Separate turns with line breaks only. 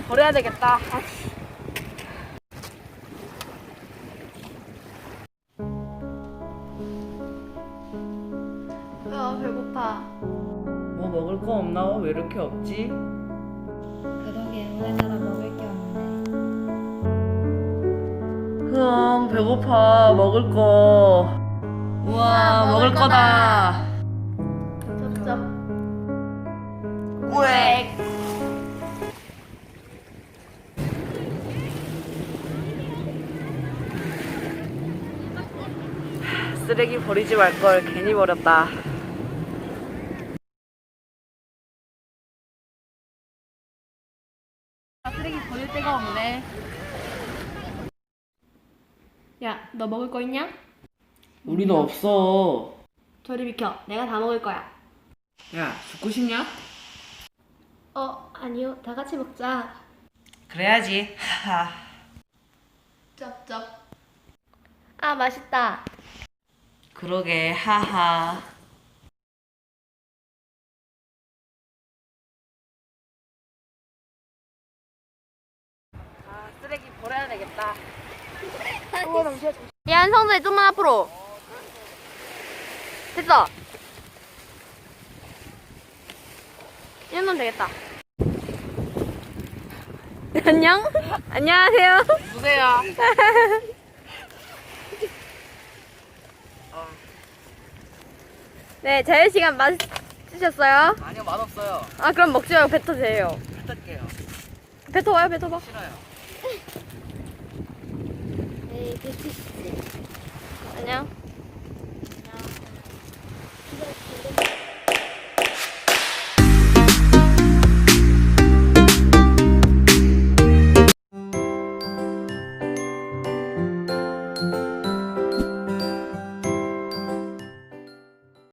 버려야 되겠다. 배고파.
뭐 먹을 거 없나? 왜 이렇게 없지?
그러게 우리나라 먹을 게 없네.
흥, 배고파. 먹을 거. 우와, 먹을 거다.
쩝쩝.
꽥. 쓰레기 버리지 말 걸 괜히 버렸다.
쓰레기 버릴 데가 없네. 야, 너 먹을 거 있냐?
우리는 없어.
저리 비켜. 내가 다 먹을 거야.
야, 죽고 싶냐?
아니요. 다 같이 먹자.
그래야지. 하하.
쩝쩝. 아, 맛있다.
그러게. 하하. 쓰레기 버려야 되겠다.
야, 한성재 좀만 앞으로. 됐어. 이 정도면 되겠다. 안녕? 안녕하세요.
누구세요?
네, 자유시간 맞으셨어요?
아니요, 맛없어요.
아, 그럼 먹지 말고 뱉어세요.
뱉을게요.
뱉어봐요, 뱉어봐.
싫어요.
에이, 뱉으시지. 안녕.